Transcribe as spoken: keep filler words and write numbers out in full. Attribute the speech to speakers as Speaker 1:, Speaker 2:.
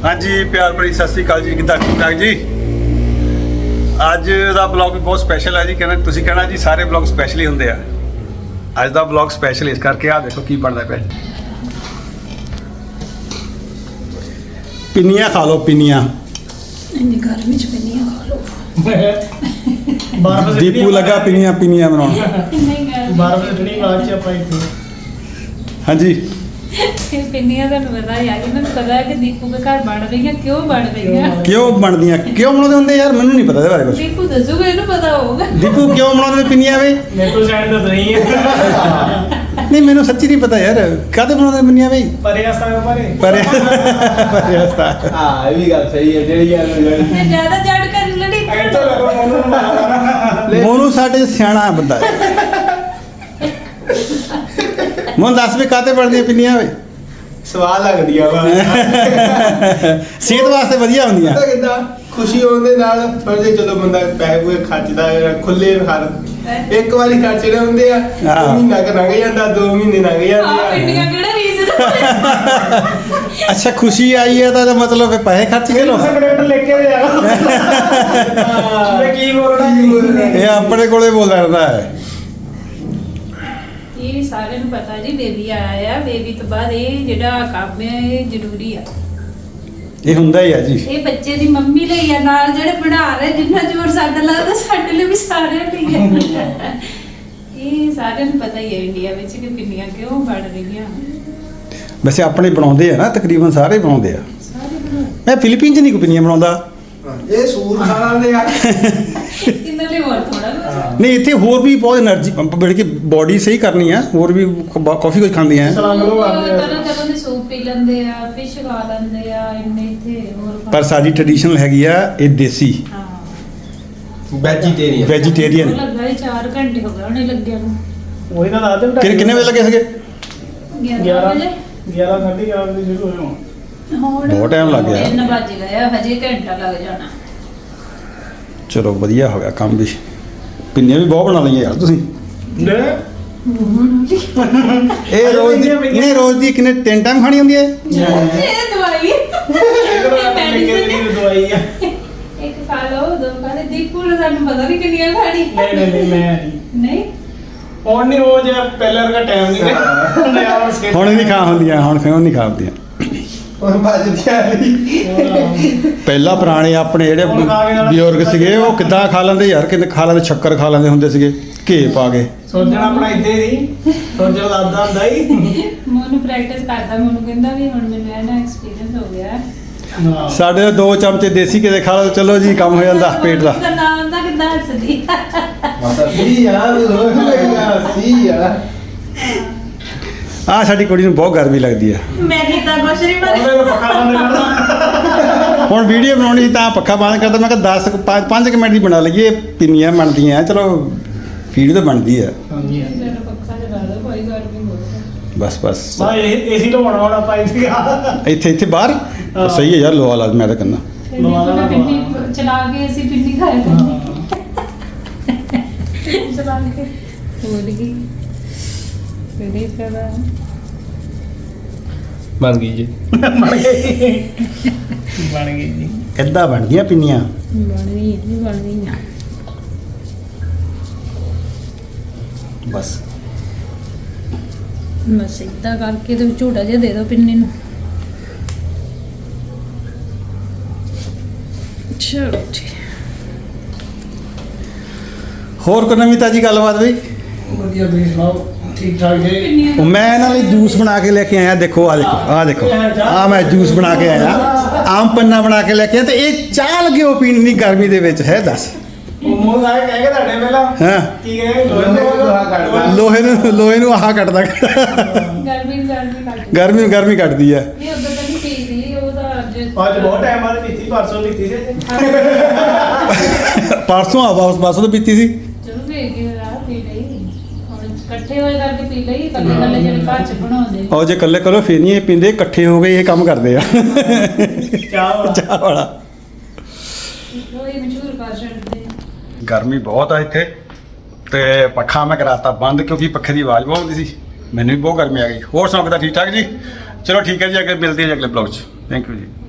Speaker 1: ਹਾਂਜੀ ਪਿਆਰ ਭਰੀ ਸਤਿ ਸ੍ਰੀ ਅਕਾਲ ਜੀ, ਕਿੱਦਾਂ ਠੀਕ ਠਾਕ ਜੀ। ਅੱਜ ਦਾ ਬਲੌਗ ਵੀ ਬਹੁਤ ਸਪੈਸ਼ਲ ਹੈ ਜੀ। ਕਹਿੰਦਾ ਤੁਸੀਂ ਕਹਿਣਾ ਜੀ ਸਾਰੇ ਬਲੌਗ ਸਪੈਸ਼ਲ ਹੀ ਹੁੰਦੇ ਆ। ਅੱਜ ਦਾ ਬਲੌਗ ਸਪੈਸ਼ਲ ਇਸ ਕਰਕੇ ਆ ਦੇਖੋ ਕੀ ਬਣਦਾ ਪਿਆ। ਪਿੰਨੀਆਂ ਖਾ ਲਓ, ਪਿੰਨੀਆਂ
Speaker 2: ਇੰਨੀ ਗਰਮੀ ਚ ਪਿੰਨੀਆਂ ਖਾ ਲਓ।
Speaker 1: ਦੀਪੂ ਲੱਗਾ ਪਿੰਨੀਆਂ ਪਿੰਨੀਆਂ ਬਣਾਉਣ।
Speaker 2: ਨਹੀਂ ਗਰਮੀ
Speaker 3: ਬਾਰਾਂ ਵਜੇ ਨਹੀਂ ਬਾਅਦ ਚ ਆਪਾਂ ਇੱਥੇ
Speaker 1: ਹਾਂਜੀ
Speaker 2: ਇਹ ਪਿੰਨੀਆਂ ਤੁਹਾਨੂੰ ਪਤਾ ਯਾਰ, ਇਹਨਾਂ ਨੂੰ ਪਤਾ ਹੈ ਕਿ ਦੀਪੂ ਦੇ ਘਰ ਬਣ ਰਹੀਆਂ, ਕਿਉਂ ਬਣ ਰਹੀਆਂ।
Speaker 1: ਕਿਉਂ ਬਣਦੀਆਂ, ਕਿਉਂ ਬਣਾਉਂਦੇ ਹੁੰਦੇ ਯਾਰ, ਮੈਨੂੰ ਨਹੀਂ ਪਤਾ ਇਹਦੇ ਬਾਰੇ ਕੁਝ।
Speaker 2: ਦੀਪੂ ਦੱਸੂਗਾ, ਇਹਨੂੰ ਪਤਾ ਹੋਊਗਾ।
Speaker 1: ਦੀਪੂ ਕਿਉਂ ਬਣਾਉਂਦੇ ਨੇ ਪਿੰਨੀਆਂ ਵੇ?
Speaker 3: ਮੇਰੇ ਕੋਲ ਸਾਈਡ ਤਾਂ ਨਹੀਂ ਹੈ
Speaker 1: ਨਹੀਂ ਮੈਨੂੰ ਸੱਚੀ ਨਹੀਂ ਪਤਾ ਯਾਰ, ਕਾਹਦੇ ਬਣਾਉਂਦੇ ਨੇ ਪਿੰਨੀਆਂ ਵੇ?
Speaker 3: ਪਰੇ ਆਸਤਾ ਪਰੇ
Speaker 1: ਪਰ ਪਰ ਰਸਤਾ
Speaker 4: ਹਾਂ ਇਹ ਵੀ ਗੱਲ ਸਹੀ ਹੈ ਜਿਹੜੀ ਗੱਲ
Speaker 2: ਮੈਂ ਜ਼ਿਆਦਾ ਜੜ ਕਰ ਲੜੀ
Speaker 3: ਐਂ ਤਾਂ ਲੱਗੋ ਮੈਨੂੰ ਮਾਰਨਾ
Speaker 1: ਮੋਨੂ ਸਾਡੇ ਸਿਆਣਾ ਬੰਦਾ ਹੈ। ਮੋਨ ਦੱਸ ਵੀ ਕਾਹਤੇ ਬਣਦੀਆਂ ਪਿੰਨੀਆਂ ਵੇ?
Speaker 4: ਸਵਾਦ ਲੱਗਦੀ ਆ ਵਾ
Speaker 1: ਸਿਹਤ ਵਾਸਤੇ ਵਧੀਆ ਹੁੰਦੀਆਂ।
Speaker 4: ਪਤਾ ਕਿੱਦਾਂ ਖੁਸ਼ੀ ਹੋਣ ਦੇ ਨਾਲ ਪਰ ਜੇ ਜਦੋਂ ਬੰਦਾ ਪੈਸੇ ਪੂਏ ਖਰਚਦਾ ਹੈ ਖੁੱਲੇ ਹਰ ਇੱਕ ਵਾਰੀ ਖਰਚਣੇ ਹੁੰਦੇ ਆ,
Speaker 1: ਹਾਂ।
Speaker 4: ਮਹੀਨਾ ਕ ਲੰਘ ਜਾਂਦਾ, ਦੋ ਮਹੀਨੇ ਲੰਘ
Speaker 2: ਆ
Speaker 4: ਜਾਂਦੇ
Speaker 2: ਪਿੰਨੀਆਂ
Speaker 4: ਆ।
Speaker 2: ਕਿਹੜਾ ਰੀਜ਼ਨ
Speaker 1: ਅੱਛਾ ਖੁਸ਼ੀ ਆਈ ਹੈ ਤਾਂ ਇਹਦਾ ਮਤਲਬ ਹੈ ਪੈਸੇ ਖਰਚ ਕੇ ਲੋ।
Speaker 3: ਸਕ੍ਰਿਪਟ ਲਿਖ ਕੇ ਦੇ ਜਾਣਾ ਮੈਂ ਕੀ ਬੋਲਣਾ ਕੀ ਬੋਲਣਾ
Speaker 1: ਇਹ ਆਪਣੇ ਕੋਲੇ ਬੋਲਦਾ ਰਹਿੰਦਾ ਹੈ।
Speaker 2: ਇਹ ਸਾਰਿਆਂ ਨੂੰ ਪਤਾ ਜੀ, ਬੇਬੀ ਆਇਆ ਆ। ਬੇਬੀ ਤੋਂ ਬਾਅਦ ਇਹ ਜਿਹੜਾ ਕੰਮ ਹੈ ਇਹ ਜ਼ਰੂਰੀ ਆ।
Speaker 1: ਇਹ ਹੁੰਦਾ ਹੀ ਆ ਜੀ।
Speaker 2: ਇਹ ਬੱਚੇ ਦੀ ਮੰਮੀ ਲਈ ਆ, ਨਾਲ ਜਿਹੜੇ ਬਣਾ ਰਹੇ ਜਿੰਨਾ ਜ਼ੋਰ ਸਾਡਾ ਲੱਗਦਾ ਸਾਡੇ ਲਈ ਵੀ ਸਾਰਿਆਂ ਲਈ ਆ। ਇਹ ਸਾਰਿਆਂ ਨੂੰ ਪਤਾ ਹੀ ਹੈ ਇੰਡੀਆ ਵਿੱਚ ਕਿ ਪਿੰਨੀਆਂ ਕਿਉਂ ਬਣ ਰਹੀਆਂ।
Speaker 1: ਵੈਸੇ ਆਪਣੇ ਬਣਾਉਂਦੇ ਆ ਨਾ, ਤਕਰੀਬਨ ਸਾਰੇ ਬਣਾਉਂਦੇ ਆ।
Speaker 2: ਸਾਰੇ ਬਣਾਉਂਦੇ।
Speaker 1: ਮੈਂ ਫਿਲੀਪੀਨ ਚ ਨਹੀਂ ਕੋਈ ਪਿੰਨੀਆਂ ਬਣਾਉਂਦਾ।
Speaker 4: ਇਹ ਸੂਰ ਖਾ ਲੈਂਦੇ ਆ।
Speaker 2: ਇਹਨਾਂ ਲਈ ਹੋਰ ਥੋੜਾ ਕੁਝ।
Speaker 1: ਨਹੀਂ ਇੱਥੇ ਹੋਰ ਵੀ ਬਹੁਤ એનર્ਜੀ ਬਣ ਕੇ ਬੋਡੀ ਸਹੀ ਕਰਨੀ ਆ, ਹੋਰ ਵੀ ਕਾਫੀ ਕੁਝ ਖਾਂਦੀਆਂ ਆ।
Speaker 3: ਸਲਾਮ ਲੋ ਆਉਂਦੇ ਆ
Speaker 2: ਤਰ੍ਹਾਂ ਤਰ੍ਹਾਂ ਦੇ ਸੂਪ ਪੀ ਲੈਂਦੇ ਆ, ਫਿਸ਼ ਖਾ ਲੈਂਦੇ ਆ, ਇੰਨੇ ਇੱਥੇ ਹੋਰ ਖਾ-
Speaker 1: ਪਰ ਸਾਡੀ ਟ੍ਰੈਡੀਸ਼ਨਲ ਹੈਗੀ ਆ ਇਹ ਦੇਸੀ
Speaker 2: ਹਾਂ
Speaker 4: ਵੈਜੀਟੇਰੀਅਨ
Speaker 1: ਵੈਜੀਟੇਰੀਅਨ।
Speaker 2: ਉਹ ਲੱਗਾ ਸੀ ਚਾਰ ਘੰਟੇ ਹੋ ਗਏ ਉਹਨੇ ਲੱਗਿਆ ਨੂੰ।
Speaker 3: ਉਹੀ ਤਾਂ ਦੱਸ ਦਿੰਦਾ
Speaker 1: ਕਿੰਨੇ ਕਿੰਨੇ ਵਜੇ ਲੱਗੇ ਸੀਗੇ?
Speaker 2: ਗਿਆਰਾਂ ਵਜੇ
Speaker 3: ਗਿਆਰਾਂ ਸਾਢੇ ਗਿਆਰਾਂ ਵਜੇ ਸ਼ੁਰੂ ਹੋਏ ਹੋਣ
Speaker 2: ਹੁਣ
Speaker 1: ਬਹੁਤ time ਲੱਗ ਗਿਆ।
Speaker 2: ਤਿੰਨ ਵੱਜ ਗਏ ਆ, ਹਜੇ ਘੰਟਾ ਲੱਗ ਜਾਣਾ।
Speaker 1: ਚਲੋ ਵਧੀਆ ਹੋ ਗਿਆ ਕੰਮ ਵੀ। ਪਿੰਨੀਆਂ ਵੀ ਬਹੁਤ ਬਣਾ ਲਈਆਂ ਯਾਰ ਤੁਸੀਂ। ਇਹ ਰੋਜ਼ ਦੀ ਨਹੀਂ ਰੋਜ਼ ਦੀ ਕਿੰਨੇ ਤਿੰਨ ਟਾਈਮ ਖਾਣੀ ਹੁੰਦੀ ਹੈ?
Speaker 2: ਇਹ ਦਵਾਈ
Speaker 3: ਇੱਕ ਦਵਾਈ ਆ
Speaker 2: ਇੱਕ ਖਾ ਲਓ, ਦੋ ਖਾ ਲੈ। ਦੀਪੂ ਨੂੰ ਸਾਨੂੰ ਪਤਾ ਨਹੀਂ ਕਿੰਨੀਆਂ ਖਾਣੀ।
Speaker 3: ਨਹੀਂ ਨਹੀਂ ਨਹੀਂ ਮੈਂ ਨਹੀਂ
Speaker 2: ਨਹੀਂ
Speaker 3: ਹੁਣ ਨਹੀਂ ਉਹ ਜਿਹਾ ਪਹਿਲਾਂ ਵਰਗਾ ਟਾਈਮ ਨਹੀਂ ਰਿਹਾ
Speaker 1: ਹੁਣ ਨਹੀਂ ਖਾ ਹੁੰਦੀਆਂ, ਹੁਣ ਕਿਉਂ ਨਹੀਂ ਖਾ ਹੁੰਦੀਆਂ?
Speaker 4: ਹੁਣ ਵੱਜਦੀਆਂ ਨਹੀਂ।
Speaker 1: ਪਹਿਲਾਂ ਪੁਰਾਣੇ ਆਪਣੇ ਜਿਹੜੇ ਬਜ਼ੁਰਗ ਸੀਗੇ ਉਹ ਕਿੱਦਾਂ ਖਾ ਲੈਂਦੇ ਯਾਰ, ਕਿੰਨੇ ਖਾ ਲੈਂਦੇ, ਸ਼ੱਕਰ ਖਾ ਲੈਂਦੇ ਹੁੰਦੇ ਸੀਗੇ ਘੇ ਪਾ ਕੇ।
Speaker 3: ਸੋਚਣਾ ਆਪਣਾ ਇੱਥੇ ਹੀ ਸੋਚਣਾ ਦਾਦਾ ਹੁੰਦਾ ਹੀ
Speaker 2: ਮੈਨੂੰ ਪ੍ਰੈਕਟਿਸ ਕਰਦਾ, ਮੈਨੂੰ ਕਹਿੰਦਾ ਵੀ ਹੁਣ ਮੈਨੂੰ ਇਹ ਨਾ ਐਕਸਪੀਰੀਅੰਸ ਹੋ ਗਿਆ।
Speaker 3: ਹਾਂ
Speaker 1: ਸਾਡੇ ਦੋ ਚਮਚੇ ਦੇਸੀ ਘੇ ਦੇ ਖਾ ਲਓ, ਚਲੋ ਜੀ ਕੰਮ ਹੋ ਜਾਂਦਾ ਪੇਟ ਦਾ।
Speaker 2: ਉਹਦਾ ਨਾਮ ਦਾ ਕਿੱਦਾਂ ਹੱਸਦੀ।
Speaker 4: ਮਤਲਬ ਸੀ ਯਾਰ ਲੋਕ ਲੱਗਦਾ ਸੀ ਯਾਰ।
Speaker 1: ਆ ਸਾਡੀ ਕੁੜੀ ਨੂੰ ਬਹੁਤ ਗਰਮੀ ਲੱਗਦੀ ਆ।
Speaker 2: ਮੈਂ ਕੀਤਾ ਕੁਛ ਨਹੀਂ ਪਰ
Speaker 3: ਉਹਨੇ ਪੱਖਾ ਬੰਦ ਕਰਦਾ
Speaker 1: ਹੁਣ ਵੀਡੀਓ ਬਣਾਉਣੀ ਸੀ ਤਾਂ ਪੱਖਾ ਬੰਦ ਕਰਦਾ। ਮੈਂ ਕਿਹਾ ਦਸ ਪੰਜ ਕੁ ਮਿੰਟ ਦੀ ਬਣਾ ਲਈਏ, ਪਿੰਨੀਆਂ ਬਣਦੀਆਂ ਚਲੋ, ਵੀਡੀਓ ਤਾਂ ਬਣਦੀ ਆ।
Speaker 3: ਹਾਂਜੀ
Speaker 2: ਜਦੋਂ ਪੱਖਾ ਚਲਾ ਦੋ ਕੋਈ ਗਰਮੀ ਹੋ ਜਾਏ।
Speaker 1: ਬਸ ਬਸ
Speaker 3: ਬਾ ਇਹ ਏਸੀ ਲਵਾਉਣਾ ਹੁਣ ਆਪਾਂ ਇੱਥੇ
Speaker 1: ਇੱਥੇ ਇੱਥੇ ਬਾਹਰ
Speaker 3: ਹਾਂ।
Speaker 1: ਸਹੀ ਹੈ ਯਾਰ, ਲੋਆ ਲਾ ਮੈਂ ਤਾਂ ਕਹਿੰਦਾ।
Speaker 2: ਫਿਰ ਦੀਪੂ ਨੇ ਪਿੰਡੀ ਚਲਾ ਕੇ ਅਸੀਂ ਪਿੰਡੀ ਖਾਇਆ ਕਰਨੀ। ਚਲਾ ਕੇ ਭੁੱਲ ਗਈ ਕਿਹੜੀ ਕਰਾ।
Speaker 4: ਬਣ ਗਈ ਜੀ।
Speaker 3: ਬਣ ਗਈ ਬਣ ਗਈ ਜੀ
Speaker 1: ਏਦਾਂ ਬਣਦੀਆਂ ਪਿੰਨੀਆਂ।
Speaker 2: ਬਣ ਗਈ ਨਹੀਂ ਬਣ ਗਈਆਂ।
Speaker 1: ਬਸ
Speaker 2: ਬਸ ਏਦਾਂ ਕਰਕੇ ਤੇ ਝੂਟਾ ਜਿਹਾ ਦੇ ਦਿਓ ਪਿੰਨੀ ਨੂੰ। ਚਲੋ ਠੀਕ।
Speaker 1: ਹੋਰ ਕੋਈ ਨਵੀਂ ਤਾਜੀ ਗੱਲਬਾਤ ਬਈ?
Speaker 3: ਵਧੀਆ ਤੁਸੀਂ ਸੁਣਾਓ ਠੀਕ ਠਾਕ ਜੀ
Speaker 1: ਉਹ ਮੈਂ ਇਹਨਾਂ ਲਈ ਜੂਸ ਬਣਾ ਕੇ ਲੈ ਕੇ ਆਇਆ। ਦੇਖੋ ਆ ਦੇਖੋ ਆ ਦੇਖੋ ਆ ਮੈਂ ਜੂਸ ਬਣਾ ਕੇ ਆਇਆ, ਆਮ ਪੰਨਾ ਬਣਾ ਕੇ ਲੈ ਕੇ ਆਇਆ। ਤੇ ਇਹ ਚਾਹ ਲੱਗੇ ਉਹ ਪੀਣ ਦੀ ਗਰਮੀ ਦੇ ਵਿੱਚ ਹੈ ਦੱਸ।
Speaker 3: ਉਹ ਮੂੰਹ ਸਾਰੇ ਕਹਿ ਕੇ ਤੁਹਾਡੇ ਪਹਿਲਾਂ
Speaker 1: ਹਾਂ
Speaker 3: ਕੀ ਕਹੇ
Speaker 4: ਲੋਹੇ ਨੂੰ ਲੋਹਾ ਕੱਢਦਾ।
Speaker 1: ਲੋਹੇ ਨੂੰ ਲੋਹੇ ਨੂੰ ਆਹ ਕੱਟਦਾ।
Speaker 2: ਗਰਮੀ ਗਰਮੀ ਲੱਗਦੀ।
Speaker 1: ਗਰਮੀ ਨੂੰ ਗਰਮੀ ਕੱਟਦੀ ਆ।
Speaker 2: ਨਹੀਂ ਉਦੋਂ ਤਾਂ ਨਹੀਂ ਪੀਦੀ, ਉਹ ਤਾਂ ਅੱਜ
Speaker 3: ਅੱਜ ਬਹੁਤ ਟਾਈਮ ਬਾਅਦ ਪੀਤੀ ਪਰਸੋਂ ਪੀਤੀ ਸੀ
Speaker 1: ਪਰਸੋਂ ਆ ਵਾਪਸ ਪਰਸੋਂ ਤੋਂ ਪੀਤੀ ਸੀ।
Speaker 2: ਚਲੋ ਵੇਖ ਕੇ ਰਾਤ ਪੀ ਲਈ। ਹੁਣ ਇਕੱਠੇ ਹੋਏ ਕਰਕੇ ਪੀ ਲਈ। ਕੱਲੇ ਕੱਲੇ ਜਿਹੜੇ ਘਰ ਚ ਬਣਾਉਂਦੇ
Speaker 1: ਉਹ ਜੇ ਇਕੱਲੇ ਕਰੋ ਫਿਰ ਨਹੀਂ ਇਹ ਪੀਂਦੇ, ਇਕੱਠੇ ਹੋ ਕੇ ਇਹ ਕੰਮ ਕਰਦੇ ਆ।
Speaker 3: ਚਾਹ ਵਾਲਾ
Speaker 1: ਚਾਹ ਵਾਲਾ।
Speaker 2: ਉਹ ਹੀ ਮਸ਼ਹੂਰ ਕਰ ਛੱਡਦੇ।
Speaker 1: ਗਰਮੀ ਬਹੁਤ ਆ ਇੱਥੇ ਤੇ ਪੱਖਾ ਮੈਂ ਕਰਾਤਾ ਬੰਦ ਕਿਉਂਕਿ ਪੱਖੇ ਦੀ ਆਵਾਜ਼ ਬਹੁਤ ਆਉਂਦੀ ਸੀ। ਮੈਨੂੰ ਵੀ ਬਹੁਤ ਗਰਮੀ ਆ ਗਈ। ਹੋਰ ਸੁਣਾਓ ਕਿੱਦਾਂ, ਠੀਕ ਠਾਕ ਜੀ? ਚਲੋ ਠੀਕ ਹੈ ਜੀ, ਅੱਗੇ ਮਿਲਦੇ ਹਾਂ ਅਗਲੇ ਬਲੌਗ 'ਚ। ਥੈਂਕ ਯੂ ਜੀ।